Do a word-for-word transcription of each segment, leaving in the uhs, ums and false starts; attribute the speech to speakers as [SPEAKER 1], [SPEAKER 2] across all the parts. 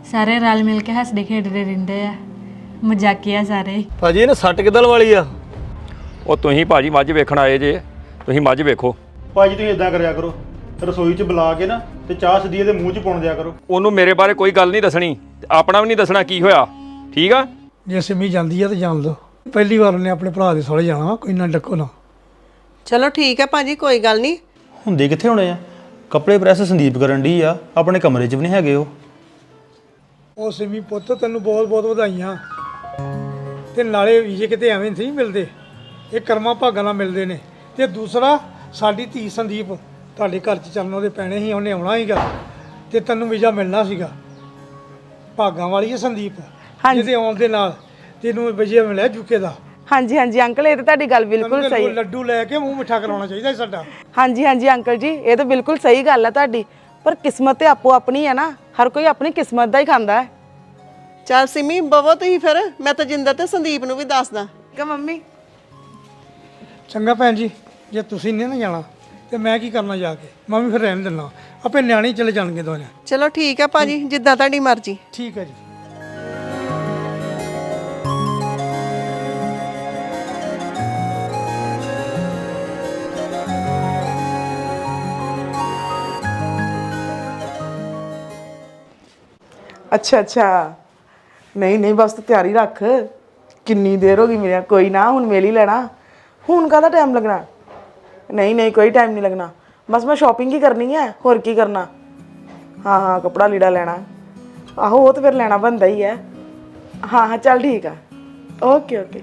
[SPEAKER 1] ਸਾਰੇ ਰਲ ਮਿਲ ਕੇ ਹੱਸਦੇ ਖੇਡਦੇ ਰਹਿੰਦੇ ਆ, ਮਜ਼ਾਕੀਆ ਸਾਰੇ।
[SPEAKER 2] ਭਾਜੀ ਇਹਨੇ ਸੱਟ ਕਿੱਦਲ ਵਾਲੀ ਆ?
[SPEAKER 3] ਉਹ ਤੁਸੀਂ ਭਾਜੀ ਮੱਝ ਵੇਖਣ ਆਏ ਜੇ, ਤੁਸੀਂ ਮੱਝ ਵੇਖੋ।
[SPEAKER 4] ਭਾਜੀ ਤੁਸੀਂ ਇਦਾਂ ਕਰਿਆ ਕਰੋ, ਰਸੋਈ 'ਚ ਬੁਲਾ ਕੇ ਨਾ ਤੇ ਚਾਹ ਸਿੱਧੀ ਇਹਦੇ ਮੂੰਹ 'ਚ ਪਾਉਣ ਦਿਆ ਕਰੋ।
[SPEAKER 3] ਉਹਨੂੰ ਮੇਰੇ ਬਾਰੇ ਕੋਈ ਗੱਲ ਨਹੀਂ ਦੱਸਣੀ ਤੇ ਆਪਣਾ ਵੀ ਨਹੀਂ ਦੱਸਣਾ ਕੀ ਹੋਇਆ, ਠੀਕ ਆ?
[SPEAKER 5] ਜੇ ਸਿੰਮੀ ਜਾਂਦੀ ਆ ਤਾਂ ਜਾਣ ਦੋ। ਪਹਿਲੀ ਵਾਰ ਉਹਨੇ ਆਪਣੇ ਭਰਾ ਦੇ ਸਹੁਰੇ ਜਾਣਾ, ਕੋਈ ਨਾ ਡੱਕੋ ਨਾ।
[SPEAKER 6] ਚਲੋ ਠੀਕ ਹੈ ਭਾਜੀ, ਕੋਈ ਗੱਲ ਨਹੀਂ।
[SPEAKER 4] ਹੁੰਦੇ ਕਿੱਥੇ ਹੋਣੇ ਆ? ਕੱਪੜੇ ਪ੍ਰੈਸ ਸੰਦੀਪ ਕਰਨ ਡਈ ਆ, ਆਪਣੇ ਕਮਰੇ 'ਚ ਵੀ ਨਹੀਂ ਹੈਗੇ ਉਹ।
[SPEAKER 5] ਉਹ ਸਿੰਮੀ ਪੁੱਤ ਤੈਨੂੰ ਬਹੁਤ ਬਹੁਤ ਵਧਾਈਆਂ। ਤੇ ਨਾਲੇ ਵੀਜ਼ੇ ਕਿਤੇ ਐਵੇਂ ਨਹੀਂ ਮਿਲਦੇ, ਇਹ ਕਰਮਾਂ ਭਾਗਾਂ ਨਾਲ ਮਿਲਦੇ ਨੇ। ਤੇ ਦੂਸਰਾ ਸਾਡੀ ਧੀ ਸੰਦੀਪ ਤੁਹਾਡੇ ਘਰ 'ਚ ਚੱਲਣ ਉਹਦੇ ਪੈਣੇ ਸੀ, ਉਹਨੇ ਆਉਣਾ ਸੀਗਾ ਤੇ ਤੈਨੂੰ ਵੀਜ਼ਾ ਮਿਲਣਾ ਸੀਗਾ। ਭਾਗਾਂ ਵਾਲੀ ਹੈ ਸੰਦੀਪ, ਜਿਹਦੇ ਆਉਣ ਦੇ ਨਾਲ ਤੈਨੂੰ ਵੀਜ਼ਾ ਮਿਲਿਆ ਯੂਕੇ ਦਾ।
[SPEAKER 6] ਹਾਂਜੀ ਹਾਂਜੀ ਅੰਕਲ, ਇਹ ਤਾਂ ਤੁਹਾਡੀ ਗੱਲ ਬਿਲਕੁਲ ਸਹੀ ਹੈ।
[SPEAKER 5] ਲੱਡੂ ਲੈ ਕੇ ਮੂੰਹ ਮਿੱਠਾ ਕਰਾਉਣਾ ਚਾਹੀਦਾ ਸਾਡਾ।
[SPEAKER 6] ਹਾਂਜੀ ਹਾਂਜੀ ਅੰਕਲ ਜੀ, ਇਹ ਤਾਂ ਬਿਲਕੁਲ ਸਹੀ ਗੱਲ ਹੈ ਤੁਹਾਡੀ, ਪਰ ਕਿਸਮਤ ਤੇ ਆਪੋ ਆਪਣੀ ਹੈ ਨਾ, ਹਰ ਕੋਈ ਆਪਣੀ ਕਿਸਮਤ ਦਾ ਹੀ ਖਾਂਦਾ ਹੈ। ਚੱਲ ਸਿਮੀ ਬਵੋ ਤੁਸੀਂ ਫਿਰ, ਮੈਂ ਤਾਂ ਜਿੰਦਰ ਤੇ ਸੰਦੀਪ ਨੂੰ ਵੀ ਦੱਸਦਾ ਕਿ ਮੰਮੀ।
[SPEAKER 5] ਚੰਗਾ ਭੈਣ ਜੀ, ਜੇ ਤੁਸੀਂ ਨਹੀਂ ਨਾ ਜਾਣਾ ਤੇ ਮੈਂ ਕੀ ਕਰਨਾ ਜਾ ਕੇ? ਮੈਂ ਵੀ ਫਿਰ ਰਹਿਣ ਦਿੰਦਾ, ਆਪੇ ਨਿਆਣੇ ਚਲੇ ਜਾਣਗੇ ਦੋਨੇ।
[SPEAKER 6] ਚਲੋ ਠੀਕ ਹੈ ਭਾਜੀ, ਜਿੱਦਾਂ ਤੁਹਾਡੀ ਮਰਜ਼ੀ।
[SPEAKER 5] ਠੀਕ ਹੈ ਜੀ।
[SPEAKER 6] ਅੱਛਾ ਅੱਛਾ, ਨਹੀਂ ਨਹੀਂ ਬਸ ਤੂੰ ਤਿਆਰੀ ਰੱਖ। ਕਿੰਨੀ ਦੇਰ ਹੋ ਗਈ ਮੇਰੇ, ਕੋਈ ਨਾ ਹੁਣ ਮਿਲ ਹੀ ਲੈਣਾ। ਹੁਣ ਕਾਹਦਾ ਟਾਈਮ ਲੱਗਣਾ? ਨਹੀਂ ਨਹੀਂ ਕੋਈ ਟਾਈਮ ਨਹੀਂ ਲੱਗਣਾ, ਬਸ ਮੈਂ ਸ਼ਾਪਿੰਗ ਹੀ ਕਰਨੀ ਹੈ, ਹੋਰ ਕੀ ਕਰਨਾ। ਹਾਂ ਹਾਂ ਕੱਪੜਾ ਲੀੜਾ ਲੈਣਾ, ਆਹੋ ਉਹ ਤਾਂ ਫਿਰ ਲੈਣਾ ਬਣਦਾ ਹੀ ਹੈ। ਹਾਂ ਹਾਂ ਚੱਲ ਠੀਕ ਆ, ਓਕੇ ਓਕੇ।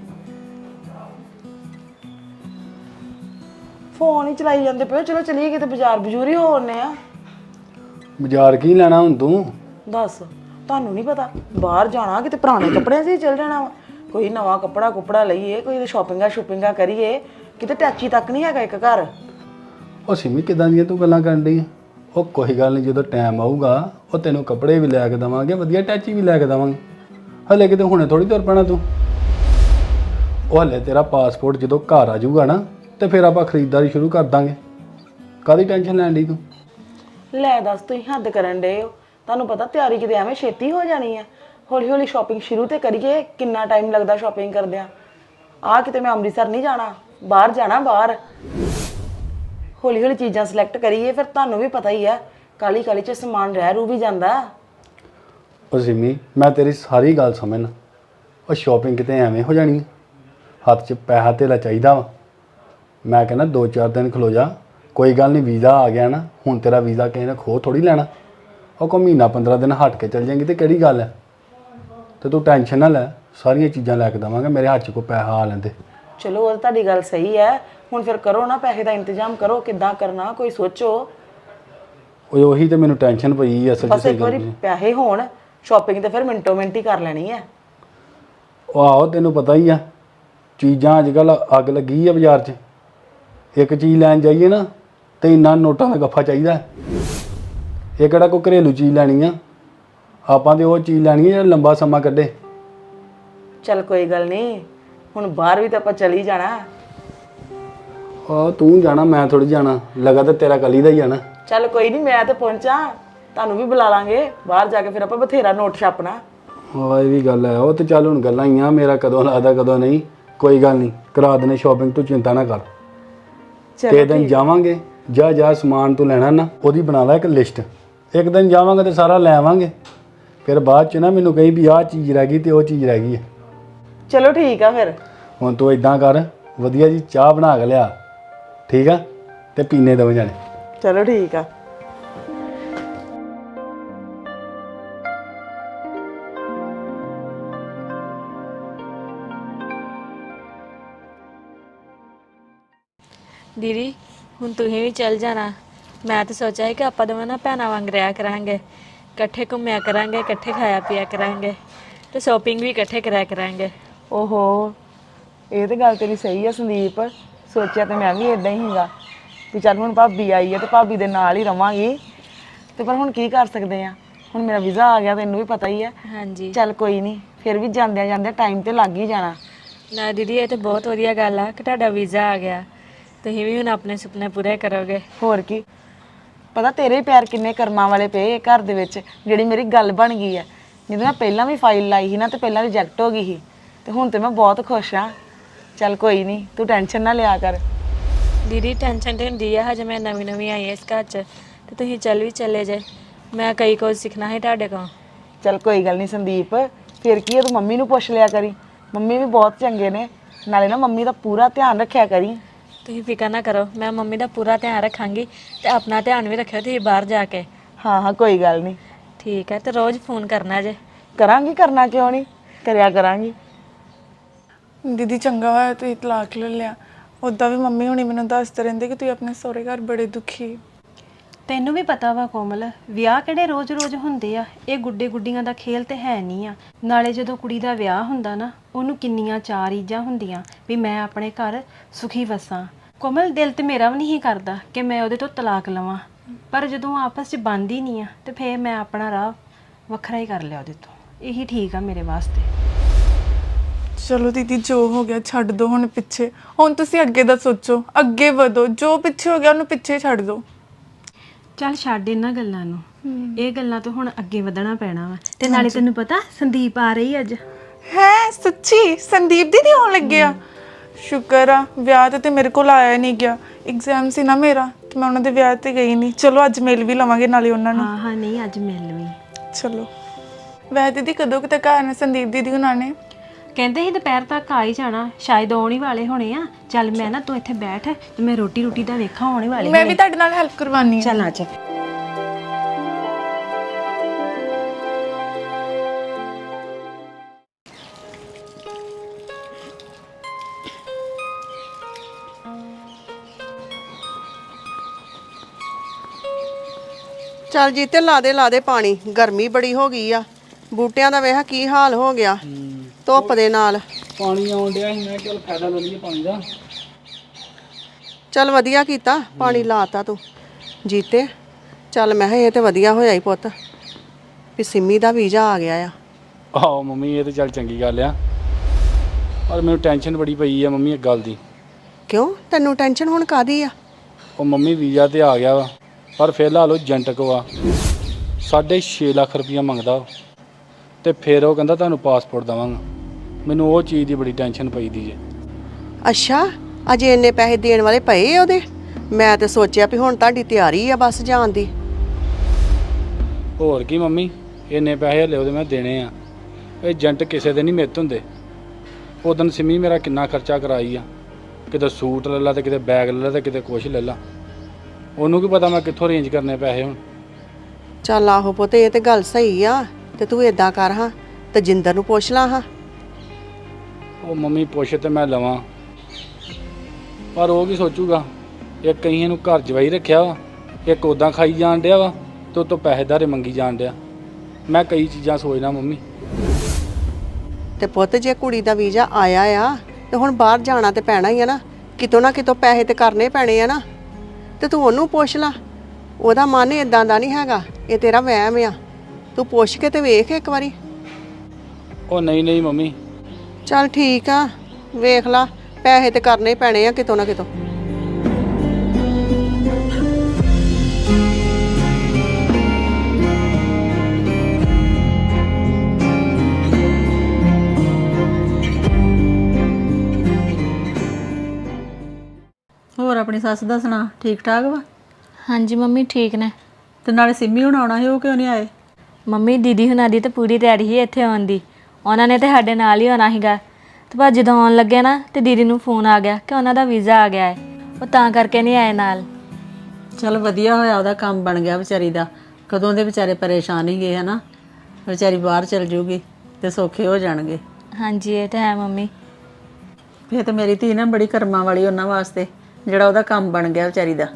[SPEAKER 6] ਫੋਨ ਹੀ ਚਲਾਈ ਜਾਂਦੇ ਪਏ, ਚਲੋ ਚਲੀਏ ਕਿਤੇ ਬਾਜ਼ਾਰ ਬਜ਼ੂਰ ਹੀ ਹੋ ਆਉਂਦੇ ਆ।
[SPEAKER 7] ਬਾਜ਼ਾਰ ਕੀ ਲੈਣਾ ਹੁਣ ਤੂੰ?
[SPEAKER 6] ਦੱਸ, ਤੁਹਾਨੂੰ ਨਹੀਂ ਪਤਾ ਬਾਹਰ ਜਾਣਾ, ਕਿਤੇ ਪੁਰਾਣੇ ਕੱਪੜਿਆਂ 'ਚ ਹੀ ਚੱਲ ਜਾਣਾ ਵਾ। ਕੋਈ ਨਵਾਂ ਕੱਪੜਾ ਕੁਪੜਾ ਲਈਏ, ਕੋਈ ਸ਼ਾਪਿੰਗਾਂ ਸ਼ੂਪਿੰਗਾਂ ਕਰੀਏ, ਕਿਤੇ ਟੈਚੀ ਤੱਕ ਨਹੀਂ ਹੈਗਾ ਇੱਕ ਘਰ।
[SPEAKER 7] ਉਹ ਸਿਮੀ ਕਿਦਾਂ ਦੀਆਂ ਤੂੰ ਗੱਲਾਂ ਕਰਨ ਡਈ? ਉਹ ਕੋਈ ਗੱਲ ਨਹੀਂ, ਜਦੋਂ ਟਾਈਮ ਆਊਗਾ ਉਹ ਤੈਨੂੰ ਕੱਪੜੇ ਵੀ ਲੈ ਕੇ ਦੇਵਾਂਗੇ, ਵਧੀਆ ਟੈਚੀ ਵੀ ਲੈ ਕੇ ਦੇਵਾਂਗੇ। ਹਲੇ ਕਿਤੇ ਹੁਣੇ ਥੋੜੀ ਤੁਰ ਪੈਣਾ ਤੂੰ। ਉਹ ਹਲੇ ਤੇਰਾ ਪਾਸਪੋਰਟ ਜਦੋਂ ਘਰ ਆ ਜਾਊਗਾ ਨਾ ਤੇ ਫਿਰ ਆਪਾਂ ਖਰੀਦਦਾਰੀ ਸ਼ੁਰੂ ਕਰ ਦਾਂਗੇ। ਕਾਹਦੀ ਟੈਨਸ਼ਨ ਲੈਣ ਡਈ ਤੂੰ?
[SPEAKER 6] ਲੈ ਦੱਸ, ਤੁਸੀਂ ਹੱਦ ਕਰਨ ਡੇ ਹੋ। ਤੁਹਾਨੂੰ ਪਤਾ ਤਿਆਰੀ ਕਿਤੇ ਐਵੇਂ ਛੇਤੀ ਹੋ ਜਾਣੀ ਹੈ। ਹੌਲੀ ਹੌਲੀ ਸ਼ਾਪਿੰਗ ਸ਼ੁਰੂ ਤੇ ਕਰੀਏ, ਕਿੰਨਾ ਟਾਈਮ ਲੱਗਦਾ ਸ਼ਾਪਿੰਗ ਕਰਦਿਆਂ। ਆ ਕਿਤੇ ਮੈਂ ਅੰਮ੍ਰਿਤਸਰ ਨਹੀਂ ਜਾਣਾ, ਬਾਹਰ ਜਾਣਾ ਬਾਹਰ। ਹੌਲੀ ਹੌਲੀ ਚੀਜ਼ਾਂ ਸਿਲੈਕਟ ਕਰੀਏ, ਫਿਰ ਤੁਹਾਨੂੰ ਵੀ ਪਤਾ ਹੀ ਹੈ ਕਾਲੀ ਕਾਲੀ 'ਚ ਸਮਾਨ ਰਹਿ ਰੂ ਵੀ ਜਾਂਦਾ।
[SPEAKER 7] ਉਹ ਸਿਮੀ ਮੈਂ ਤੇਰੀ ਸਾਰੀ ਗੱਲ ਸਮਝਣਾ। ਉਹ ਸ਼ਾਪਿੰਗ ਕਿਤੇ ਐਵੇਂ ਹੋ ਜਾਣੀ, ਹੱਥ 'ਚ ਪੈਸਾ ਧੇਲਾ ਚਾਹੀਦਾ ਵਾ। ਮੈਂ ਕਹਿੰਦਾ ਦੋ ਚਾਰ ਦਿਨ ਖਲੋ ਜਾ, ਕੋਈ ਗੱਲ ਨਹੀਂ, ਵੀਜ਼ਾ ਆ ਗਿਆ ਨਾ, ਹੁਣ ਤੇਰਾ ਵੀਜ਼ਾ ਕਿਸੇ ਨੇ ਖੋਹ ਥੋੜੀ ਲੈਣਾ। ਉਹ ਕੋ ਮਹੀਨਾ ਪੰਦਰਾਂ ਦਿਨ ਹਟ ਕੇ ਚੱਲ ਜਾਏਗੀ ਤੇ ਕਿਹੜੀ ਗੱਲ ਹੈ? ਤੇ ਤੂੰ ਟੈਨਸ਼ਨ ਨਾ ਲੈ, ਸਾਰੀਆਂ ਚੀਜ਼ਾਂ ਲੈ ਕੇ ਦੇਵਾਂਗੇ, ਮੇਰੇ ਹੱਥ 'ਚ ਕੋਈ ਪੈਸਾ ਆ ਲੈਂਦੇ।
[SPEAKER 6] ਚਲੋ ਉਹ ਤੁਹਾਡੀ ਗੱਲ ਸਹੀ ਹੈ, ਹੁਣ ਫਿਰ ਕਰੋ ਨਾ, ਪੈਸੇ ਦਾ ਇੰਤਜ਼ਾਮ ਕਰੋ, ਕਿੱਦਾਂ ਕਰਨਾ ਕੋਈ ਸੋਚੋ।
[SPEAKER 7] ਉਹ ਉਹੀ ਤੇ ਮੈਨੂੰ ਟੈਨਸ਼ਨ ਪਈ ਅਸਲ 'ਚ।
[SPEAKER 6] ਬਸ ਇੱਕ ਵਾਰੀ ਪੈਸੇ ਹੋਣ, ਸ਼ਾਪਿੰਗ ਤੇ ਫਿਰ ਮਿੰਟੋ ਮਿੰਟ ਹੀ ਕਰ ਲੈਣੀ ਹੈ।
[SPEAKER 7] ਉਹ ਆਹੋ ਤੈਨੂੰ ਪਤਾ ਹੀ ਆ, ਚੀਜ਼ਾਂ ਅੱਜ ਕੱਲ੍ਹ ਅੱਗ ਲੱਗੀ ਆ ਬਾਜ਼ਾਰ 'ਚ। ਇੱਕ ਚੀਜ਼ ਲੈਣ ਜਾਈਏ ਨਾ ਤੇ ਇੰਨਾ ਨੋਟਾਂ ਦਾ ਗੱਫਾ ਚਾਹੀਦਾ। ਇਹ ਕਿਹੜਾ ਕੋਈ ਘਰੇਲੂ ਚੀਜ਼ ਲੈਣੀ ਆ, ਆਪਾਂ ਤੇ ਉਹ ਚੀਜ਼ ਲੈਣੀ ਆ ਜਿਹੜਾ ਲੰਬਾ ਸਮਾਂ ਕੱਢੇ।
[SPEAKER 6] ਚੱਲ ਕੋਈ ਗੱਲ ਨਹੀਂ, ਹੁਣ ਬਾਹਰ ਵੀ ਤਾਂ ਆਪਾਂ ਚਲੀ ਜਾਣਾ।
[SPEAKER 7] ਆਹ ਤੂੰ ਜਾਣਾ, ਮੈਂ ਥੋੜੀ ਜਾਣਾ, ਲਗਾ ਤਾਂ ਤੇਰਾ ਕਲੀ ਦਾ ਹੀ ਆ ਨਾ।
[SPEAKER 6] ਚੱਲ ਕੋਈ ਨਹੀਂ, ਮੈਂ ਤਾਂ ਪਹੁੰਚਾਂ, ਤੁਹਾਨੂੰ ਵੀ ਬੁਲਾ ਲਾਂਗੇ ਬਾਹਰ ਜਾ ਕੇ, ਫਿਰ ਆਪਾਂ ਬਥੇਰਾ ਨੋਟ ਛਾਪਣਾ।
[SPEAKER 7] ਹਾਂ ਇਹ ਵੀ ਗੱਲ ਹੈ। ਉਹ ਤੇ ਚੱਲ ਹੁਣ ਗੱਲਾਂ ਹੀ ਆ, ਮੇਰਾ ਕਦੋਂ ਲੱਗਦਾ ਕਦੋਂ ਨਹੀਂ, ਕੋਈ ਗੱਲ ਨਹੀਂ, ਕਰਾ ਦੇਣੇ ਸ਼ਾਪਿੰਗ, ਤੂੰ ਚਿੰਤਾ ਨਾ ਕਰ। ਤੇ ਦਿਨ ਜਾਵਾਂਗੇ, ਜਾ ਜਾ ਸਮਾਨ ਤੂੰ ਲੈਣਾ ਨਾ ਉਹਦੀ ਬਣਾ ਲੈ ਇੱਕ ਲਿਸਟ। ਇੱਕ ਦਿਨ ਜਾਵਾਂਗੇ ਤੇ ਸਾਰਾ ਲੈ ਆਵਾਂਗੇ, ਫਿਰ ਬਾਅਦ 'ਚ ਨਾ ਮੈਨੂੰ ਕਹੀ ਵੀ ਆਹ ਚੀਜ਼ ਰਹਿ ਗਈ ਤੇ ਉਹ ਚੀਜ਼ ਰਹਿ ਗਈ ਹੈ।
[SPEAKER 6] ਚਲੋ ਠੀਕ ਆ ਫਿਰ।
[SPEAKER 7] ਹੁਣ ਤੂੰ ਇਦਾਂ ਕਰ, ਵਧੀਆ ਜੀ ਚਾਹ ਬਣਾ ਕੇ ਲਿਆ, ਠੀਕ ਆ, ਤੇ ਪੀਨੇ ਦੋਵੇਂ ਜਾਣੇ।
[SPEAKER 6] ਚਲੋ ਠੀਕ ਆ।
[SPEAKER 1] ਦੀਦੀ ਹੁਣ ਤੁਸੀਂ ਵੀ ਚੱਲ ਜਾਣਾ। ਮੈਂ ਤਾਂ ਸੋਚਿਆ ਸੀ ਕਿ ਆਪਾਂ ਦੋਵੇਂ ਨਾ ਭੈਣਾਂ ਵਾਂਗ ਰਿਹਾ ਕਰਾਂਗੇ, ਇਕੱਠੇ ਘੁੰਮਿਆ ਕਰਾਂਗੇ, ਇਕੱਠੇ ਖਾਇਆ ਪੀਆ ਕਰਾਂਗੇ ਤੇ ਸ਼ਾਪਿੰਗ ਵੀ ਇਕੱਠੇ ਕਰਿਆ ਕਰਾਂਗੇ।
[SPEAKER 6] ਓਹੋ, ਇਹ ਤਾਂ ਗੱਲ ਤੇਰੀ ਸਹੀ ਆ ਸੰਦੀਪ, ਸੋਚਿਆ ਤੇ ਮੈਂ ਵੀ ਇਦਾਂ ਹੀ ਸੀਗਾ ਵੀ ਚੱਲ ਹੁਣ ਭਾਬੀ ਆਈ ਹੈ ਤੇ ਭਾਬੀ ਦੇ ਨਾਲ ਹੀ ਰਵਾਂਗੀ, ਤੇ ਪਰ ਹੁਣ ਕੀ ਕਰ ਸਕਦੇ ਆ, ਹੁਣ ਮੇਰਾ ਵੀਜ਼ਾ ਆ ਗਿਆ, ਤੈਨੂੰ ਵੀ ਪਤਾ ਹੀ ਆ।
[SPEAKER 1] ਹਾਂਜੀ
[SPEAKER 6] ਚੱਲ ਕੋਈ ਨਹੀਂ, ਫਿਰ ਵੀ ਜਾਂਦਿਆਂ ਜਾਂਦਿਆਂ ਟਾਈਮ ਤੇ ਲੱਗ ਹੀ ਜਾਣਾ।
[SPEAKER 1] ਨਾ ਦੀਦੀ ਇਹ ਤਾਂ ਬਹੁਤ ਵਧੀਆ ਗੱਲ ਆ ਕਿ ਤੁਹਾਡਾ ਵੀਜ਼ਾ ਆ ਗਿਆ, ਤੁਸੀਂ ਵੀ ਹੁਣ ਆਪਣੇ ਸੁਪਨੇ ਪੂਰੇ ਕਰੋਗੇ।
[SPEAKER 6] ਹੋਰ ਕੀ, ਪਤਾ ਤੇਰੇ ਪਿਆਰ ਕਿੰਨੇ ਕਰਮਾਂ ਵਾਲੇ ਪਏ ਘਰ ਦੇ ਵਿੱਚ, ਜਿਹੜੀ ਮੇਰੀ ਗੱਲ ਬਣ ਗਈ ਹੈ। ਜਦੋਂ ਮੈਂ ਪਹਿਲਾਂ ਵੀ ਫਾਈਲ ਲਾਈ ਸੀ ਨਾ ਤੇ ਪਹਿਲਾਂ ਰਿਜੈਕਟ ਹੋ ਗਈ ਸੀ ਤੇ ਹੁਣ ਤੇ ਮੈਂ ਬਹੁਤ ਖੁਸ਼ ਹਾਂ। ਚੱਲ ਕੋਈ ਨਹੀਂ, ਤੂੰ ਟੈਨਸ਼ਨ ਨਾ ਲਿਆ ਕਰ।
[SPEAKER 1] ਦੀਦੀ ਟੈਨਸ਼ਨ ਤੇ ਹੁੰਦੀ ਆ, ਹਜੇ ਮੈਂ ਨਵੀਂ ਨਵੀਂ ਆਈ ਹਾਂ ਇਸ ਘਰ 'ਚ ਤੇ ਤੁਸੀਂ ਚੱਲ ਵੀ ਚੱਲੇ ਜੇ। ਮੈਂ ਕਈ ਕੁਝ ਸਿੱਖਣਾ ਹੈ ਤੁਹਾਡੇ ਕੋਲ।
[SPEAKER 6] ਚੱਲ ਕੋਈ ਗੱਲ ਨਹੀਂ ਸੰਦੀਪ, ਫਿਰ ਕੀ ਹੈ, ਤੂੰ ਮੰਮੀ ਨੂੰ ਪੁੱਛ ਲਿਆ ਕਰੀ, ਮੰਮੀ ਵੀ ਬਹੁਤ ਚੰਗੇ ਨੇ। ਨਾਲੇ ਨਾ ਮੰਮੀ ਦਾ ਪੂਰਾ ਧਿਆਨ ਰੱਖਿਆ ਕਰੀ।
[SPEAKER 1] ਤੁਸੀਂ ਫਿਕਰ ਨਾ ਕਰੋ, ਮੈਂ ਮੰਮੀ ਦਾ ਪੂਰਾ ਧਿਆਨ ਰੱਖਾਂਗੀ ਤੇ ਆਪਣਾ ਧਿਆਨ ਵੀ ਰੱਖਿਓ ਤੁਸੀਂ ਬਾਹਰ ਜਾ ਕੇ।
[SPEAKER 6] ਹਾਂ ਹਾਂ ਕੋਈ ਗੱਲ ਨਹੀਂ।
[SPEAKER 1] ਠੀਕ ਹੈ, ਤੇ ਰੋਜ਼ ਫੋਨ ਕਰਨਾ ਜੇ।
[SPEAKER 6] ਕਰਾਂਗੀ, ਕਰਨਾ ਕਿਉਂ ਨਹੀਂ, ਕਰਿਆ ਕਰਾਂਗੀ।
[SPEAKER 8] ਦੀਦੀ ਚੰਗਾ ਹੋਇਆ ਤੁਸੀਂ ਤਲਾਕ ਲੈ ਲਿਆ। ਉੱਦਾਂ ਵੀ ਮੰਮੀ ਹੁਣੀ ਮੈਨੂੰ ਦੱਸਦੇ ਰਹਿੰਦੇ ਕਿ ਤੁਸੀਂ ਆਪਣੇ ਸਹੁਰੇ ਘਰ ਬੜੇ ਦੁਖੀ।
[SPEAKER 9] ਤੈਨੂੰ ਵੀ ਪਤਾ ਵਾ ਕੋਮਲ, ਵਿਆਹ ਕਿਹੜੇ ਰੋਜ਼-ਰੋਜ਼ ਹੁੰਦੇ ਆ। ਇਹ ਗੁੱਡੇ ਗੁੱਡੀਆਂ ਦਾ ਖੇਲ ਤੇ ਹੈ ਨਹੀਂ ਆ। ਨਾਲੇ ਜਦੋਂ ਕੁੜੀ ਦਾ ਵਿਆਹ ਹੁੰਦਾ ਨਾ, ਉਹਨੂੰ ਕਿੰਨੀਆਂ ਚਾਰ ਰੀਝਾਂ ਹੁੰਦੀਆਂ ਵੀ ਮੈਂ ਆਪਣੇ ਘਰ ਸੁਖੀ ਵਸਾਂ। ਕੋਮਲ ਦਿਲ ਤੇ ਮੇਰਾ ਵੀ ਨਹੀਂ ਕਰਦਾ ਕਿ ਮੈਂ ਉਹਦੇ ਤੋਂ ਤਲਾਕ ਲਵਾਂ, ਪਰ ਜਦੋਂ ਆਪਸ 'ਚ ਬਣਦੀ ਨਹੀਂ ਆ ਤੇ ਫੇਰ ਮੈਂ ਆਪਣਾ ਰਾਹ ਵੱਖਰਾ ਹੀ ਕਰ ਲਿਆ ਉਹਦੇ ਤੋਂ। ਇਹੀ ਠੀਕ ਆ ਮੇਰੇ ਵਾਸਤੇ।
[SPEAKER 8] ਚਲੋ ਦੀਦੀ ਜੋ ਹੋ ਗਿਆ ਛੱਡ ਦੋ ਹੁਣ ਪਿੱਛੇ। ਹੁਣ ਤੁਸੀਂ ਅੱਗੇ ਦਾ ਸੋਚੋ, ਅੱਗੇ ਵਧੋ। ਜੋ ਪਿੱਛੇ ਹੋ ਗਿਆ ਉਹਨੂੰ ਪਿੱਛੇ ਛੱਡ ਦਿਓ।
[SPEAKER 9] ਚੱਲ ਛੱਡ ਇਹਨਾਂ ਗੱਲਾਂ ਨੂੰ, ਇਹ ਗੱਲਾਂ ਤੋਂ ਹੁਣ ਅੱਗੇ ਵਧਣਾ ਪੈਣਾ ਵਾ। ਤੇ ਨਾਲੇ ਤੈਨੂੰ ਪਤਾ ਸੰਦੀਪ ਆ ਰਹੀ ਅੱਜ।
[SPEAKER 8] ਹੈ ਸੱਚੀ? ਸੰਦੀਪ ਦੀਦੀ ਆਉਣ ਲੱਗੇ ਆ? ਸ਼ੁਕਰ ਆ, ਵਿਆਹ ਤੇ ਤੇ ਮੇਰੇ ਕੋਲ ਆਇਆ ਨਹੀਂ ਗਿਆ। ਐਗਜ਼ਾਮ ਸੀ ਨਾ ਮੇਰਾ ਤੇ ਮੈਂ ਉਹਨਾਂ ਦੇ ਵਿਆਹ ਤੇ ਗਈ ਨਹੀਂ। ਚਲੋ ਅੱਜ ਮਿਲ ਵੀ ਲਵਾਂਗੇ ਨਾਲੇ ਉਹਨਾਂ ਨੂੰ।
[SPEAKER 9] ਹਾਂ ਹਾਂ ਨਹੀਂ ਅੱਜ ਮਿਲ ਵੀ।
[SPEAKER 8] ਚਲੋ ਵੈ ਦੀਦੀ ਕਦੋਂ ਕਿਤੇ ਘਰ ਨੇ ਸੰਦੀਪ ਦੀਦੀ ਉਹਨਾਂ ਨੇ?
[SPEAKER 9] ਕਹਿੰਦੇ ਸੀ ਦੁਪਹਿਰ ਤੱਕ ਆ ਹੀ ਜਾਣਾ, ਸ਼ਾਇਦ ਆਉਣ ਹੀ ਵਾਲੇ ਹੋਣੇ ਆ। ਚੱਲ ਮੈਂ ਨਾ ਤੂੰ ਇੱਥੇ ਬੈਠ ਤੇ ਮੈਂ ਰੋਟੀ ਰੋਟੀ ਦਾ ਵੇਖਾਂ, ਆਉਣੇ ਵਾਲੇ
[SPEAKER 8] ਮੈਂ ਵੀ ਤੁਹਾਡੇ ਨਾਲ ਹੈਲਪ ਕਰਵਾਨੀ ਆ।
[SPEAKER 9] ਚੱਲ ਆ ਜਾ।
[SPEAKER 10] ਚੱਲ ਜੀਤੇ ਲਾ ਦੇ ਲਾ ਦੇ ਪਾਣੀ, ਗਰਮੀ ਬੜੀ ਹੋ ਗਈ ਆ। ਬੂਟਿਆਂ ਦਾ ਵੇਖ ਕੀ ਹਾਲ ਹੋ ਗਿਆ ਧੁੱਪ ਦੇ ਨਾਲ।
[SPEAKER 7] ਪਾਣੀ ਆਉਣ ਡਿਆ ਸੀ, ਮੈਂ ਚਲ ਫਾਇਦਾ ਲੈ ਲਈਏ ਪਾਣੀ ਦਾ।
[SPEAKER 10] ਚੱਲ ਵਧੀਆ ਕੀਤਾ, ਪਾਣੀ ਲਾਤਾ ਤੂੰ ਜੀਤੇ। ਚੱਲ ਮੈਂ ਕਿਹਾ ਇਹ ਤੇ ਵਧੀਆ ਹੋਇਆ ਹੀ ਪੁੱਤ ਵੀ ਸਿੰਮੀ ਦਾ ਵੀਜ਼ਾ ਆ ਗਿਆ ਆ।
[SPEAKER 7] ਆਹੋ ਮੰਮੀ, ਇਹ ਤਾਂ ਚੱਲ ਚੰਗੀ ਗੱਲ ਆ, ਪਰ ਮੈਨੂੰ ਟੈਨਸ਼ਨ ਬੜੀ ਪਈ ਆ ਮੰਮੀ ਇੱਕ ਗੱਲ ਦੀ।
[SPEAKER 10] ਕਿਉਂ ਤੈਨੂੰ ਟੈਨਸ਼ਨ ਹੁਣ ਕਾਦੀ ਆ?
[SPEAKER 7] ਉਹ ਮੰਮੀ ਵੀਜ਼ਾ ਤੇ ਆ ਗਿਆ ਵਾ, ਪਰ ਫਿਲਹਾਲ ਉਹ ਏਜੰਟ ਕੋ ਆ ਸਾਢੇ ਛੇ ਲੱਖ ਰੁਪਈਆ ਮੰਗਦਾ ਉਹ, ਤੇ ਫਿਰ ਉਹ ਕਹਿੰਦਾ ਤੁਹਾਨੂੰ ਪਾਸਪੋਰਟ ਦੇਵਾਂਗਾ। ਮੈਨੂੰ ਉਹ ਚੀਜ਼ ਦੀ ਬੜੀ ਟੈਨਸ਼ਨ ਪਈ ਦੀ ਜੇ।
[SPEAKER 10] ਅੱਛਾ, ਅਜੇ ਇੰਨੇ ਪੈਸੇ ਦੇਣ ਵਾਲੇ ਪਏ ਆ ਉਹਦੇ? ਮੈਂ ਤੇ ਸੋਚਿਆ ਵੀ ਹੁਣ ਤੁਹਾਡੀ ਤਿਆਰੀ ਆ ਬਸ ਜਾਣ ਦੀ।
[SPEAKER 7] ਹੋਰ ਕੀ ਮੰਮੀ, ਇੰਨੇ ਪੈਸੇ ਹਲੇ ਉਹਦੇ ਮੈਂ ਦੇਣੇ ਆ। ਏਜੰਟ ਕਿਸੇ ਦੇ ਨਹੀਂ ਮਿੱਤ ਹੁੰਦੇ। ਉਦੋਂ ਸਿੰਮੀ ਮੇਰਾ ਕਿੰਨਾ ਖਰਚਾ ਕਰਾਈ ਆ, ਕਿਤੇ ਸੂਟ ਲੈ ਲਾ ਤੇ ਕਿਤੇ ਬੈਗ ਲੈ ਲਾ ਤੇ ਕਿਤੇ ਕੁਛ ਲੈ ਲਾ। ਉਹਨੂੰ ਕੀ ਪਤਾ ਮੈਂ ਕਿੱਥੋਂ ਅਰੇਂਜ ਕਰਨੇ ਪੈਸੇ ਹੁਣ।
[SPEAKER 10] ਚੱਲ ਆਹੋ ਪੁੱਤ, ਇਹ ਤੇ ਗੱਲ ਸਹੀ ਆ। ਤੇ ਤੂੰ ਏਦਾਂ ਕਰ ਹਾਂ, ਤਜਿੰਦਰ ਨੂੰ ਪੁੱਛ ਲਾ ਹਾਂ।
[SPEAKER 7] ਉਹ ਮੰਮੀ ਪੁੱਛ ਤੇ ਮੈਂ ਲਵਾਂ, ਪਰ ਉਹ ਕੀ ਸੋਚੂਗਾ। ਇੱਕ ਕਹੀਂ ਇਹਨੂੰ ਘਰ ਜਵਾਈ ਰੱਖਿਆ ਵਾ, ਇੱਕ ਉੱਦਾਂ ਖਾਈ ਜਾਣ ਡਿਆ ਵਾ ਤੇ ਉਹ ਤੋਂ ਪੈਸੇ ਧਾਰੇ ਮੰਗੀ ਜਾਣ ਡਿਆ। ਮੈਂ ਕਈ ਚੀਜ਼ਾਂ ਸੋਚਦਾ ਮੰਮੀ।
[SPEAKER 10] ਤੇ ਪੁੱਤ ਜੇ ਕੁੜੀ ਦਾ ਵੀਜ਼ਾ ਆਇਆ ਆ ਤੇ ਹੁਣ ਬਾਹਰ ਜਾਣਾ ਤੇ ਪੈਣਾ ਹੀ ਆ ਨਾ, ਕਿਤੋਂ ਨਾ ਕਿਤੋਂ ਪੈਸੇ ਤੇ ਕਰਨੇ ਪੈਣੇ ਆ ਨਾ। ਤੇ ਤੂੰ ਉਹਨੂੰ ਪੁੱਛ ਲਾ, ਉਹਦਾ ਮਨ ਇਦਾਂ ਦਾ ਨਹੀਂ ਹੈਗਾ, ਇਹ ਤੇਰਾ ਵਹਿਮ ਆ। ਤੂੰ ਪੁੱਛ ਕੇ ਤੇ ਵੇਖ ਇੱਕ ਵਾਰੀ।
[SPEAKER 7] ਉਹ ਨਹੀਂ ਨਹੀਂ ਮੰਮੀ।
[SPEAKER 10] ਚੱਲ ਠੀਕ ਆ, ਵੇਖ ਲਾ, ਪੈਸੇ ਤੇ ਕਰਨੇ ਹੀ ਪੈਣੇ ਆ ਕਿਤੋਂ ਨਾ ਕਿਤੋਂ।
[SPEAKER 11] ਹੋਰ ਆਪਣੀ ਸੱਸ ਦਾ ਸੁਣਾ, ਠੀਕ ਠਾਕ ਵਾ?
[SPEAKER 1] ਹਾਂਜੀ ਮੰਮੀ ਠੀਕ ਨੇ।
[SPEAKER 11] ਤੇ ਨਾਲੇ ਸਿੰਮੀ ਹੁਣ ਆਉਣਾ ਸੀ, ਉਹ ਕਿਉਂ ਨਹੀਂ ਆਏ?
[SPEAKER 1] ਮੰਮੀ ਦੀਦੀ ਹੁਣਾਂ ਦੀ ਤਾਂ ਪੂਰੀ ਤਿਆਰੀ ਸੀ ਇੱਥੇ ਆਉਣ ਦੀ। ਉਹਨਾਂ ਨੇ ਤੇ ਸਾਡੇ ਨਾਲ ਹੀ ਆਉਣਾ ਸੀਗਾ, ਤੇ ਪਰ ਜਦੋਂ ਆਉਣ ਲੱਗੇ ਨਾ ਤੇ ਦੀਦੀ ਨੂੰ ਫੋਨ ਆ ਗਿਆ ਕਿ ਉਹਨਾਂ ਦਾ ਵੀਜ਼ਾ ਆ ਗਿਆ ਹੈ, ਉਹ ਤਾਂ ਕਰਕੇ ਨਹੀਂ ਆਏ ਨਾਲ।
[SPEAKER 11] ਚਲ ਵਧੀਆ ਹੋਇਆ, ਉਹਦਾ ਕੰਮ ਬਣ ਗਿਆ ਵਿਚਾਰੀ ਦਾ। ਕਦੋਂ ਦੇ ਵਿਚਾਰੇ ਪਰੇਸ਼ਾਨ ਹੀ ਗਏ ਹਨਾ। ਵਿਚਾਰੀ ਬਾਹਰ ਚਲ ਜੂਗੀ ਤੇ ਸੌਖੇ ਹੋ ਜਾਣਗੇ।
[SPEAKER 1] ਹਾਂਜੀ ਇਹ ਤਾਂ ਹੈ ਮੰਮੀ।
[SPEAKER 11] ਫਿਰ ਤੇ ਮੇਰੀ ਧੀ ਨਾ ਬੜੀ ਕਰਮਾਂ ਵਾਲੀ ਉਹਨਾਂ ਵਾਸਤੇ, ਜਿਹੜਾ ਉਹਦਾ ਕੰਮ ਬਣ ਗਿਆ ਵਿਚਾਰੀ ਦਾ।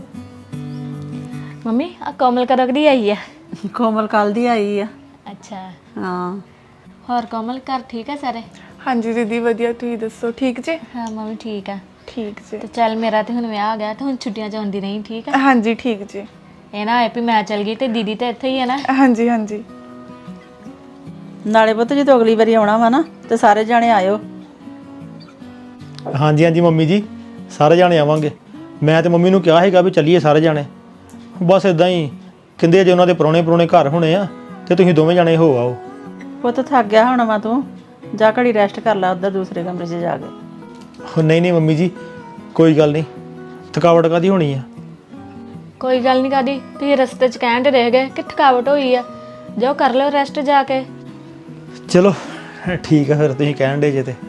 [SPEAKER 1] ਮੰਮੀ ਆ ਕੋਮਲ ਕਦੋਂ ਦੀ ਆਈ ਆ?
[SPEAKER 11] ਕੋਮਲ ਕੱਲ ਦੀ ਆਈ ਆ।
[SPEAKER 1] ਅੱਛਾ,
[SPEAKER 11] ਹਾਂ
[SPEAKER 1] ਹੋਰ ਕੋਮਲ ਘਰ ਠੀਕ ਆ ਸਾਰੇ?
[SPEAKER 8] ਹਾਂਜੀ ਦੀਦੀ ਵਧੀਆ, ਤੁਸੀਂ ਦੱਸੋ ਠੀਕ ਜੇ?
[SPEAKER 1] ਹਾਂ ਮੰਮੀ ਠੀਕ ਆ।
[SPEAKER 8] ਠੀਕ ਜੇ।
[SPEAKER 1] ਤੇ ਚੱਲ ਮੇਰਾ ਤੇ ਹੁਣ ਵਿਆਹ ਆ ਗਿਆ ਤੇ ਹੁਣ ਛੁੱਟੀਆਂ ਚ ਆਉਂਦੀ ਨਹੀਂ, ਠੀਕ ਆ?
[SPEAKER 8] ਹਾਂਜੀ ਠੀਕ ਜੇ।
[SPEAKER 1] ਇਹ ਨਾ ਹੋਏ ਵੀ ਮੈਂ ਚਲ ਗਈ ਤੇ ਦੀਦੀ ਤੇ ਇੱਥੇ ਹੀ ਆ ਨਾ।
[SPEAKER 8] ਹਾਂਜੀ ਹਾਂਜੀ।
[SPEAKER 11] ਨਾਲੇ ਪੁੱਤ ਜਦੋਂ ਅਗਲੀ ਵਾਰੀ ਆਉਣਾ ਵਾ ਨਾ ਤੇ ਸਾਰੇ ਜਾਣੇ ਆਇਓ।
[SPEAKER 4] ਹਾਂਜੀ ਹਾਂਜੀ ਮੰਮੀ ਜੀ, ਸਾਰੇ ਜਾਣੇ ਆਵਾਂਗੇ। ਮੈਂ ਤੇ ਮੰਮੀ ਨੂੰ ਕਿਹਾ ਸੀਗਾ ਵੀ ਚੱਲੀਏ ਸਾਰੇ ਜਾਣੇ, ਬਸ ਇਦਾਂ ਹੀ ਕਹਿੰਦੇ ਜੇ ਉਹਨਾਂ ਦੇ ਪੁਰਾਣੇ ਪੁਰਾਣੇ ਘਰ ਹੋਣੇ ਆ ਤੇ ਤੁਸੀਂ ਦੋਵੇਂ ਜਾਣੇ ਹੋ ਆਓ।
[SPEAKER 11] ਪੁੱਤ ਥੱਕ ਗਿਆ ਹੋਣਾ ਵਾ ਤੂੰ, ਜਾ ਘੜੀ ਰੈਸਟ ਕਰ ਲੈ ਉੱਧਰ ਦੂਸਰੇ ਕਮਰੇ 'ਚ ਜਾ ਕੇ।
[SPEAKER 4] ਉਹ ਨਹੀਂ ਨਹੀਂ ਮੰਮੀ ਜੀ, ਕੋਈ ਗੱਲ ਨਹੀਂ, ਥਕਾਵਟ ਕਾਦੀ ਹੋਣੀ ਆ।
[SPEAKER 1] ਕੋਈ ਗੱਲ ਨਹੀਂ ਕਾਦੀ, ਤੁਸੀਂ ਰਸਤੇ 'ਚ ਕਹਿਣ ਤੇ ਰਹਿ ਗਏ ਕਿ ਥਕਾਵਟ ਹੋਈ ਆ, ਜਾਓ ਕਰ ਲਓ ਰੈਸਟ ਜਾ ਕੇ।
[SPEAKER 4] ਚਲੋ ਠੀਕ ਆ ਫਿਰ, ਤੁਸੀਂ ਕਹਿਣ ਦੇ ਜੇ ਤੇ।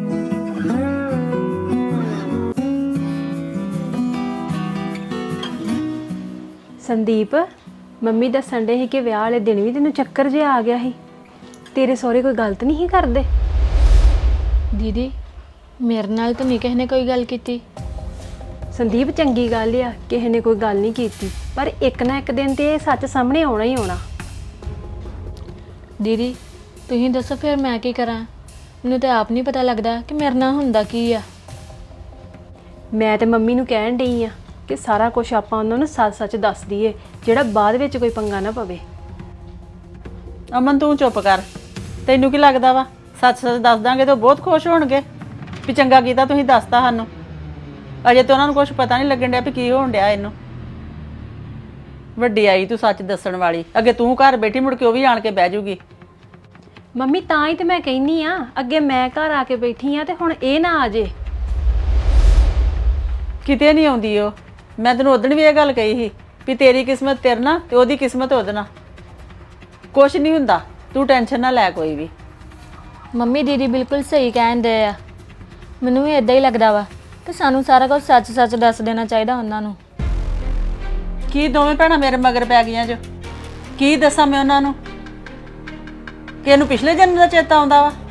[SPEAKER 9] ਸੰਦੀਪ, ਮੰਮੀ ਦੱਸਣ ਦੇ ਸੀ ਕਿ ਵਿਆਹ ਵਾਲੇ ਦਿਨ ਵੀ ਤੈਨੂੰ ਚੱਕਰ ਜਿਹਾ ਆ ਗਿਆ ਸੀ। ਤੇਰੇ ਸਹੁਰੇ ਕੋਈ ਗਲਤ ਨਹੀਂ ਸੀ ਕਰਦੇ?
[SPEAKER 1] ਦੀਦੀ ਮੇਰੇ ਨਾਲ ਤਾਂ ਨਹੀਂ ਕਿਸੇ ਨੇ ਕੋਈ ਗੱਲ ਕੀਤੀ।
[SPEAKER 9] ਸੰਦੀਪ ਚੰਗੀ ਗੱਲ ਆ, ਕਿਸੇ ਨੇ ਕੋਈ ਗੱਲ ਨਹੀਂ ਕੀਤੀ, ਪਰ ਇੱਕ ਨਾ ਇੱਕ ਦਿਨ ਤੇ ਇਹ ਸੱਚ ਸਾਹਮਣੇ ਆਉਣਾ ਹੀ ਆਉਣਾ।
[SPEAKER 1] ਦੀਦੀ ਤੁਸੀਂ ਦੱਸੋ ਫਿਰ ਮੈਂ ਕੀ ਕਰਾਂ, ਮੈਨੂੰ ਤਾਂ ਆਪ ਨਹੀਂ ਪਤਾ ਲੱਗਦਾ ਕਿ ਮੇਰੇ ਨਾਲ ਹੁੰਦਾ ਕੀ ਆ।
[SPEAKER 9] ਮੈਂ ਤੇ ਮੰਮੀ ਨੂੰ ਕਹਿਣ ਡਈ ਆ ਕਿ ਸਾਰਾ ਕੁਝ ਆਪਾਂ ਉਹਨਾਂ ਨੂੰ ਸੱਚ-ਸੱਚ ਦੱਸ ਦਈਏ, ਜਿਹੜਾ ਬਾਅਦ ਵਿੱਚ ਕੋਈ ਪੰਗਾ ਨਾ ਪਵੇ।
[SPEAKER 11] ਅਮਨ ਤੂੰ ਚੁੱਪ ਕਰ, ਤੈਨੂੰ ਕੀ ਲੱਗਦਾ ਵਾ ਸੱਚ-ਸੱਚ ਦੱਸ ਦਾਂਗੇ ਤਾਂ ਉਹ ਬਹੁਤ ਖੁਸ਼ ਹੋਣਗੇ ਵੀ ਚੰਗਾ ਕੀਤਾ ਤੁਸੀਂ ਦੱਸਤਾ ਸਾਨੂੰ। ਅਜੇ ਤਾਂ ਉਹਨਾਂ ਨੂੰ ਕੁਝ ਪਤਾ ਨਹੀਂ ਲੱਗਣ ਡਿਆ ਵੀ ਕੀ ਹੋਣ ਡਿਆ ਇਹਨੂੰ। ਵੱਡੀ ਆਈ ਤੂੰ ਸੱਚ ਦੱਸਣ ਵਾਲੀ, ਅੱਗੇ ਤੂੰ ਘਰ ਬੈਠੀ ਮੁੜ ਕੇ ਉਹ ਵੀ ਆਣ ਕੇ ਬਹਿ ਜੂਗੀ।
[SPEAKER 9] ਮੰਮੀ ਤਾਂ ਹੀ ਤੇ ਮੈਂ ਕਹਿੰਨੀ ਆ, ਅੱਗੇ ਮੈਂ ਘਰ ਆ ਕੇ ਬੈਠੀ ਆ ਤੇ ਹੁਣ ਇਹ ਨਾ ਆ ਜੇ।
[SPEAKER 11] ਕਿਤੇ ਨਹੀਂ ਆਉਂਦੀ ਉਹ, ਮੈਂ ਤੈਨੂੰ ਉਦੋਂ ਵੀ ਇਹ ਗੱਲ ਕਹੀ ਸੀ ਵੀ ਤੇਰੀ ਕਿਸਮਤ ਤੇਰੇ ਨਾਲ ਤੇ ਉਹਦੀ ਕਿਸਮਤ ਉਹਦੇ ਨਾਲ। ਕੁਛ ਨਹੀਂ ਹੁੰਦਾ, ਤੂੰ ਟੈਨਸ਼ਨ ਨਾ ਲੈ ਕੋਈ ਵੀ।
[SPEAKER 1] ਮੰਮੀ ਦੀਦੀ ਬਿਲਕੁਲ ਸਹੀ ਕਹਿੰਦੇ ਆ, ਮੈਨੂੰ ਵੀ ਇਦਾਂ ਹੀ ਲੱਗਦਾ ਵਾ ਕਿ ਸਾਨੂੰ ਸਾਰਾ ਕੁਝ ਸੱਚ-ਸੱਚ ਦੱਸ ਦੇਣਾ ਚਾਹੀਦਾ ਉਹਨਾਂ ਨੂੰ।
[SPEAKER 11] ਕੀ ਦੋਵੇਂ ਭੈਣਾਂ ਮੇਰੇ ਮਗਰ ਪੈ ਗਈਆਂ ਜੋ? ਕੀ ਦੱਸਾਂ ਮੈਂ ਉਹਨਾਂ ਨੂੰ ਕਿ ਇਹਨੂੰ ਪਿਛਲੇ ਜਨਮ ਦਾ ਚੇਤਾ ਆਉਂਦਾ ਵਾ?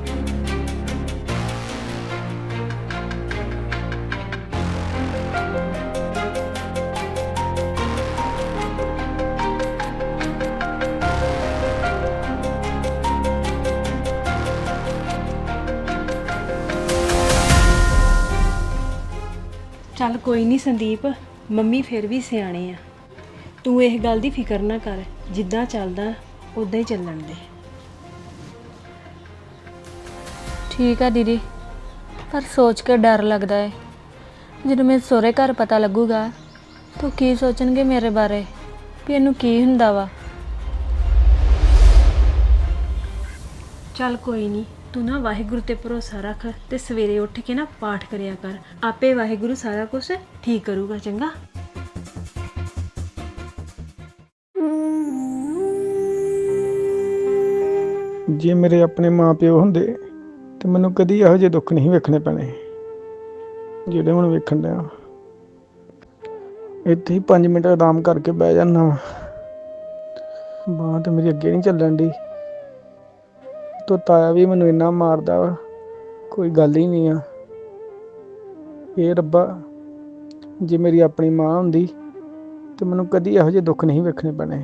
[SPEAKER 9] ਚੱਲ ਕੋਈ ਨਹੀਂ ਸੰਦੀਪ, ਮੰਮੀ ਫਿਰ ਵੀ ਸਿਆਣੇ ਆ, ਤੂੰ ਇਹ ਗੱਲ ਦੀ ਫਿਕਰ ਨਾ ਕਰ, ਜਿੱਦਾਂ ਚੱਲਦਾ ਉਦਾਂ ਹੀ ਚੱਲਣ ਦੇ।
[SPEAKER 1] ਠੀਕ ਆ ਦੀਦੀ, ਪਰ ਸੋਚ ਕੇ ਡਰ ਲੱਗਦਾ ਹੈ ਜਦੋਂ ਮੇਰੇ ਸਹੁਰੇ ਘਰ ਪਤਾ ਲੱਗੂਗਾ ਤਾਂ ਕੀ ਸੋਚਣਗੇ ਮੇਰੇ ਬਾਰੇ ਵੀ ਇਹਨੂੰ ਕੀ ਹੁੰਦਾ ਵਾ।
[SPEAKER 9] ਚੱਲ ਕੋਈ ਨਹੀਂ, ਤੂੰ ਨਾ ਵਾਹਿਗੁਰੂ ਤੇ ਭਰੋਸਾ ਰੱਖ ਤੇ ਸਵੇਰੇ ਉੱਠ ਕੇ ਨਾ ਪਾਠ ਕਰਿਆ ਕਰ, ਆਪੇ ਵਾਹਿਗੁਰੂ ਸਾਰਾ ਕੁਝ ਠੀਕ ਕਰੂਗਾ। ਚੰਗਾ?
[SPEAKER 5] ਜੇ ਮੇਰੇ ਆਪਣੇ ਮਾਪਿਓ ਹੁੰਦੇ ਤੇ ਮੈਨੂੰ ਕਦੀ ਇਹੋ ਜਿਹੇ ਦੁੱਖ ਨਹੀਂ ਵੇਖਣੇ ਪੈਣੇ ਜਿਹੜੇ ਹੁਣ ਵੇਖਣ ਡਿਆ। ਇੱਥੇ ਹੀ ਪੰਜ ਮਿੰਟ ਆਰਾਮ ਕਰਕੇ ਬਹਿ ਜਾਂਦਾ ਵਾ, ਬਾਂਹ ਤੇ ਮੇਰੀ ਅੱਗੇ ਨਹੀਂ ਚੱਲਣ ਦੀ। ਤੋ ਤਾਇਆ ਵੀ ਮੈਨੂੰ ਇੰਨਾ ਮਾਰਦਾ ਵਾ, ਕੋਈ ਗੱਲ ਹੀ ਨਹੀਂ ਆ। ਇਹ ਰੱਬਾ, ਜੇ ਮੇਰੀ ਆਪਣੀ ਮਾਂ ਹੁੰਦੀ ਤੇ ਮੈਨੂੰ ਕਦੀ ਇਹੋ ਜਿਹੇ ਦੁੱਖ ਨਹੀਂ ਵੇਖਣੇ ਪੈਣੇ।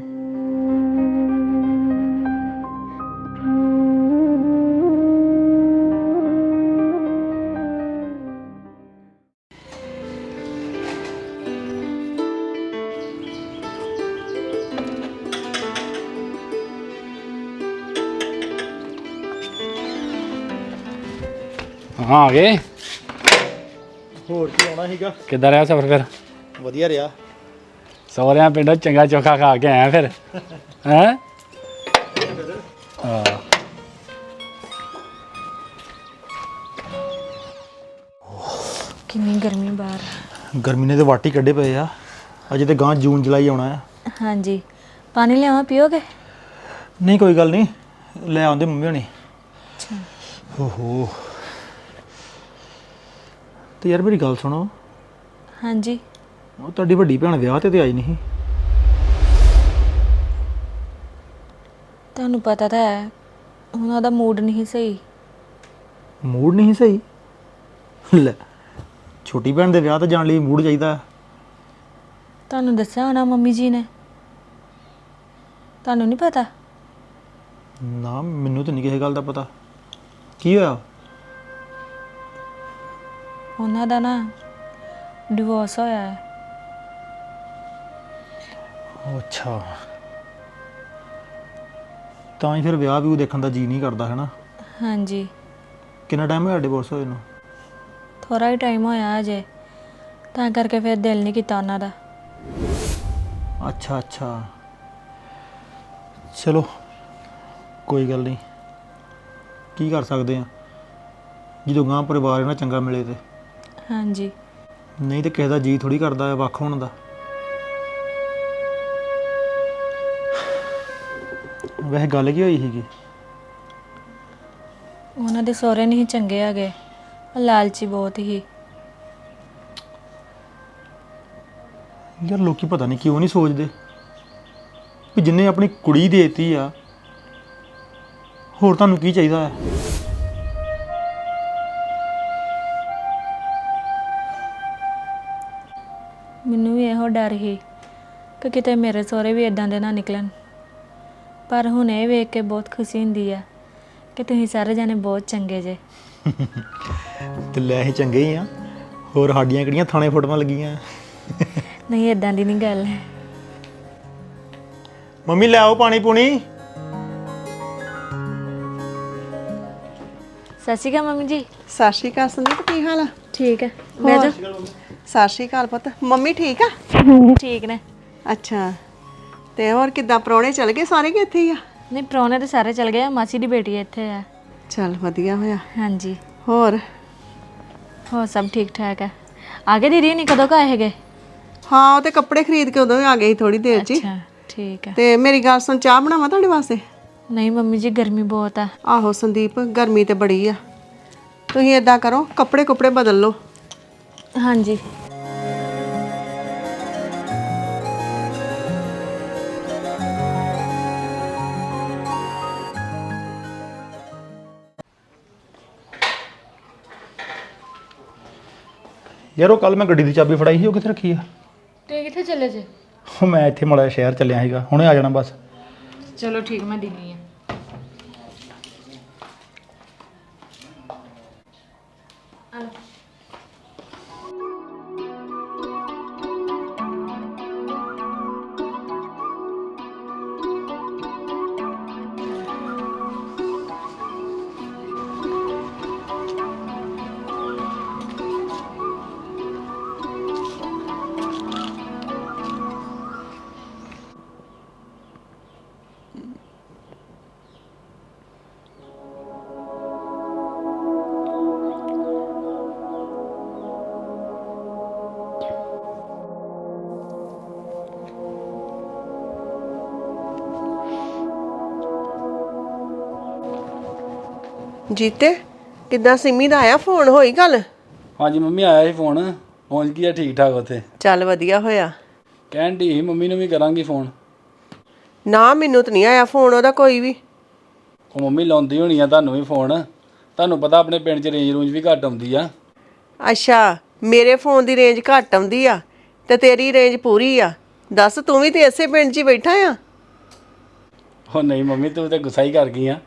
[SPEAKER 7] ਹਾਂ ਆ ਗਏ।
[SPEAKER 4] ਹੋਰ ਕੀ ਆਉਣਾ ਸੀਗਾ।
[SPEAKER 7] ਕਿੱਦਾਂ ਰਿਹਾ ਸਫ਼ਰ ਫਿਰ?
[SPEAKER 4] ਵਧੀਆ ਰਿਹਾ।
[SPEAKER 7] ਸਹੁਰਿਆਂ ਪਿੰਡੋਂ ਚੰਗਾ ਚੋਖਾ ਖਾ ਕੇ ਆਇਆ ਫਿਰ ਹੈਂ? ਹਾਂ।
[SPEAKER 1] ਕਿੰਨੀ ਗਰਮੀ ਬਾਹਰ।
[SPEAKER 4] ਗਰਮੀ ਨੇ ਤੇ ਵਾਟੀ ਕੱਢੇ ਪਏ ਆ। ਅਜੇ ਤੇ ਗਾਂ ਜੂਨ ਜੁਲਾਈ ਆਉਣਾ ਆ।
[SPEAKER 1] ਹਾਂਜੀ, ਪਾਣੀ ਲਿਆਵਾਂ, ਪੀਓਗੇ?
[SPEAKER 4] ਨਹੀਂ ਕੋਈ ਗੱਲ ਨਹੀਂ, ਲੈ ਆਉਂਦੇ ਮੰਮੀ ਹੋਣੀ। ਅੱਛਾ। ਓਹੋ, ਤੇ ਯਾਰ ਮੇਰੀ ਗੱਲ ਸੁਣੋ।
[SPEAKER 1] ਹਾਂਜੀ।
[SPEAKER 4] ਉਹ ਤੁਹਾਡੀ ਵੱਡੀ ਭੈਣ ਵਿਆਹ ਤੇ ਤੇ ਆਈ ਨਹੀਂ।
[SPEAKER 1] ਤੁਹਾਨੂੰ ਪਤਾ ਤਾਂ ਹੈ ਉਹਨਾਂ ਦਾ ਮੂਡ ਨਹੀਂ ਸਹੀ।
[SPEAKER 4] ਮੂਡ ਨਹੀਂ ਸਹੀ? ਲੈ, ਛੋਟੀ ਭੈਣ ਦੇ ਵਿਆਹ ਤੇ ਜਾਣ ਲਈ ਮੂਡ ਚਾਹੀਦਾ।
[SPEAKER 1] ਤੁਹਾਨੂੰ ਦੱਸਿਆ ਹੋਣਾ ਮੰਮੀ ਜੀ ਨੇ, ਤੁਹਾਨੂੰ ਨਹੀਂ ਪਤਾ?
[SPEAKER 4] ਨਾ, ਮੈਨੂੰ ਤਾਂ ਨਹੀਂ ਕਿਸੇ ਗੱਲ ਦਾ ਪਤਾ। ਕੀ ਹੋਇਆ?
[SPEAKER 1] ਉਹਨਾਂ ਦਾ ਨਾ ਡਿਵੋਰਸ ਹੋਇਆ ਹੈ।
[SPEAKER 4] ਅੱਛਾ, ਤਾਂ ਹੀ ਫਿਰ ਵਿਆਹ ਵੀ ਉਹ ਦੇਖਣ ਦਾ ਜੀ ਨਹੀਂ ਕਰਦਾ ਹੈ ਨਾ।
[SPEAKER 1] ਹਾਂਜੀ।
[SPEAKER 4] ਕਿੰਨਾ ਟਾਈਮ ਹੋਇਆ ਡਿਵੋਰਸ ਹੋਏ ਨੂੰ?
[SPEAKER 1] ਥੋੜਾ ਹੀ ਟਾਈਮ ਹੋਇਆ ਅਜੇ, ਤਾਂ ਕਰਕੇ ਫਿਰ ਦਿਲ ਨਹੀਂ ਕੀਤਾ ਉਹਨਾਂ ਦਾ।
[SPEAKER 4] ਅੱਛਾ ਅੱਛਾ, ਚਲੋ ਕੋਈ ਗੱਲ ਨਹੀਂ, ਕੀ ਕਰ ਸਕਦੇ ਆ ਜਦੋਂ ਗਾਂ ਪਰਿਵਾਰ ਇਹਨਾਂ ਚੰਗਾ ਮਿਲੇ ਤੇ।
[SPEAKER 1] ਹਾਂਜੀ
[SPEAKER 4] ਨਹੀਂ ਤੇ ਕਿਸੇ ਦਾ ਜੀ ਥੋੜੀ ਕਰਦਾ ਹੈ ਵੱਖ ਹੋਣ ਦਾ। ਵੈਸੇ ਗੱਲ ਕੀ ਹੋਈ ਸੀਗੀ?
[SPEAKER 1] ਉਹਨਾਂ ਦੇ ਸਹੁਰੇ ਨਹੀਂ ਚੰਗੇ ਹੈਗੇ, ਉਹ ਲਾਲਚੀ ਬਹੁਤ ਹੀ।
[SPEAKER 4] ਯਾਰ ਲੋਕੀ ਪਤਾ ਨਹੀਂ ਕਿਉਂ ਨਹੀਂ ਸੋਚਦੇ ਵੀ ਜਿੰਨੇ ਆਪਣੀ ਕੁੜੀ ਦੇਤੀ ਆ, ਹੋਰ ਤੁਹਾਨੂੰ ਕੀ ਚਾਹੀਦਾ ਹੈ?
[SPEAKER 1] ਮੈਨੂੰ ਵੀ ਇਹੋ ਡਰ ਸੀ ਕਿ ਕਿਤੇ ਮੇਰੇ ਸਹੁਰੇ ਵੀ ਇਦਾਂ ਦੇ ਨਾ ਨਿਕਲਣ, ਪਰ ਹੁਣ ਇਹ ਵੇਖ ਕੇ ਬਹੁਤ ਖੁਸ਼ੀ ਹੁੰਦੀ ਆ ਕਿ ਤੁਸੀਂ ਸਾਰੇ ਜਾਣੇ ਬਹੁਤ ਚੰਗੇ ਜੇ।
[SPEAKER 4] ਤੇ ਲੈ ਅਸੀਂ ਚੰਗੇ ਹੀ ਆ, ਹੋਰ ਸਾਡੀਆਂ ਕਿਹੜੀਆਂ ਥਾਣੇ ਫੋਟੋਆਂ ਲੱਗੀਆਂ?
[SPEAKER 1] ਨਹੀਂ ਇਦਾਂ ਦੀ ਨਹੀਂ ਗੱਲ।
[SPEAKER 4] ਮੰਮੀ ਲੈ ਆਓ ਪਾਣੀ ਪੂਣੀ।
[SPEAKER 1] ਸਤਿ ਸ਼੍ਰੀ ਅਕਾਲ ਮੰਮੀ ਜੀ।
[SPEAKER 10] ਸਤਿ ਸ਼੍ਰੀ ਅਕਾਲ ਸੰਦੀਪ, ਕੀ ਹਾਲ ਆ?
[SPEAKER 1] ਠੀਕ ਹੈ, ਬਹਿ ਜਾਓ।
[SPEAKER 10] ਸਤਿ ਸ਼੍ਰੀ ਅਕਾਲ ਪੁੱਤ। ਮੰਮੀ ਠੀਕ ਆ?
[SPEAKER 1] ਠੀਕ ਨੇ।
[SPEAKER 10] ਅੱਛਾ, ਤੇ ਹੋਰ ਕਿੱਦਾਂ ਪ੍ਰਾਹੁਣੇ ਚਲ ਗਏ ਸਾਰੇ ਕਿ ਇੱਥੇ ਹੀ ਆ?
[SPEAKER 1] ਨਹੀਂ ਪ੍ਰਾਹੁਣੇ ਤਾਂ ਸਾਰੇ ਚਲ ਗਏ, ਮਾਸੀ ਦੀ ਬੇਟੀ ਇੱਥੇ ਆ।
[SPEAKER 10] ਚਲ ਵਧੀਆ ਹੋਇਆ।
[SPEAKER 1] ਹਾਂਜੀ
[SPEAKER 10] ਹੋਰ
[SPEAKER 1] ਹੋਰ ਸਭ ਠੀਕ ਠਾਕ ਹੈ। ਆ ਗਏ ਦੀਦੀ ਨਹੀਂ ਕਦੋਂ ਕੁ ਆਏ ਹੈਗੇ?
[SPEAKER 10] ਹਾਂ, ਉਹ ਤੇ ਕੱਪੜੇ ਖਰੀਦ ਕੇ ਉਦੋਂ ਹੀ ਆ ਗਏ ਸੀ ਥੋੜੀ ਦੇਰ 'ਚ ਹੀ।
[SPEAKER 1] ਅੱਛਾ ਠੀਕ ਹੈ।
[SPEAKER 10] ਤੇ ਮੇਰੀ ਗੱਲ ਸੁਣ, ਚਾਹ ਬਣਾਵਾਂ ਤੁਹਾਡੇ ਵਾਸਤੇ?
[SPEAKER 1] ਨਹੀਂ ਮੰਮੀ ਜੀ ਗਰਮੀ ਬਹੁਤ ਆ।
[SPEAKER 10] ਆਹੋ ਸੰਦੀਪ, ਗਰਮੀ ਤੇ ਬੜੀ ਆ। ਤੁਸੀਂ ਏਦਾਂ ਕਰੋ, ਕੱਪੜੇ ਕੁਪੜੇ ਬਦਲ ਲਓ।
[SPEAKER 1] ਹਾਂਜੀ
[SPEAKER 4] ਯਾਰ ਉਹ ਕੱਲ ਮੈਂ ਗੱਡੀ ਦੀ ਚਾਬੀ ਫੜਾਈ ਸੀ, ਉਹ ਕਿੱਥੇ ਰੱਖੀ ਆ?
[SPEAKER 1] ਤੁਸੀਂ ਕਿੱਥੇ ਚੱਲੇ ਜੇ?
[SPEAKER 4] ਉਹ ਮੈਂ ਇੱਥੇ ਮਾੜਾ ਜਿਹਾ ਸ਼ਹਿਰ ਚੱਲਿਆ ਸੀਗਾ, ਹੁਣੇ ਆ ਜਾਣਾ ਬਸ।
[SPEAKER 1] ਚਲੋ ਠੀਕ, ਮੈਂ ਦਿੰਨੀ ਆ।
[SPEAKER 10] ਜੀਤੇ, ਕਿੱਦਾਂ ਸਿੰਮੀ ਦਾ ਆਇਆ ਫੋਨ? ਹੋਈ ਗੱਲ?
[SPEAKER 7] ਹਾਂਜੀ ਮੰਮੀ, ਆਇਆ ਸੀ ਫੋਨ, ਪਹੁੰਚ ਗਈ ਆ ਠੀਕ ਠਾਕ ਉੱਥੇ।
[SPEAKER 10] ਚੱਲ ਵਧੀਆ ਹੋਇਆ।
[SPEAKER 7] ਕਹਿਣ ਦੀ ਮੰਮੀ ਨੂੰ ਵੀ ਕਰਾਂਗੀ ਫੋਨ।
[SPEAKER 10] ਨਾ ਮੈਨੂੰ ਤਾਂ ਨਹੀਂ ਆਇਆ ਫੋਨ ਉਹਦਾ ਕੋਈ ਵੀ।
[SPEAKER 7] ਉਹ ਮੰਮੀ ਲਾਉਂਦੀ ਹੋਣੀ ਆ ਤੁਹਾਨੂੰ ਵੀ ਫੋਨ, ਤੁਹਾਨੂੰ ਪਤਾ ਆਪਣੇ ਪਿੰਡ 'ਚ ਰੇਂਜ ਰੂੰਜ ਵੀ ਘੱਟ ਆਉਂਦੀ ਆ।
[SPEAKER 10] ਅੱਛਾ, ਮੇਰੇ ਫੋਨ ਦੀ ਰੇਂਜ ਘੱਟ ਆਉਂਦੀ ਆ ਤੇ ਤੇਰੀ ਰੇਂਜ ਪੂਰੀ ਆ? ਦੱਸ, ਤੂੰ ਵੀ ਤੇ ਇਸੇ ਪਿੰਡ 'ਚ ਹੀ ਬੈਠਾ ਆ।
[SPEAKER 7] ਉਹ ਨਹੀਂ ਮੰਮੀ, ਤੂੰ ਤੇ ਗੁੱਸਾ ਹੀ ਕਰ ਗਈ ਆ।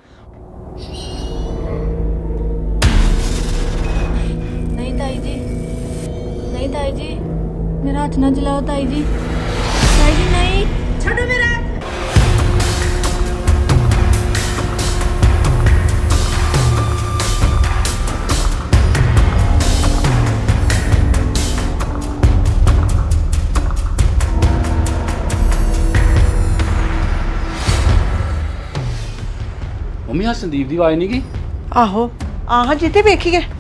[SPEAKER 1] ਨਹੀਂ ਤਾਈ ਜੀ, ਨਹੀਂ ਤਾਈ ਜੀ, ਮੇਰਾ ਹੱਥ ਨਾ ਜਲਾਓ ਤਾਈ ਜੀ। ਤਾਈ ਜੀ ਨਹੀਂ, ਛੱਡੋ ਮੇਰਾ।
[SPEAKER 7] ਮੰਮੀ ਆ ਸੰਦੀਪ ਦੀ ਆਵਾਜ਼ ਨਹੀਂ ਗਈ?
[SPEAKER 10] ਆਹੋ, ਆਹ ਜਿੱਤੇ ਵੇਖੀਏ।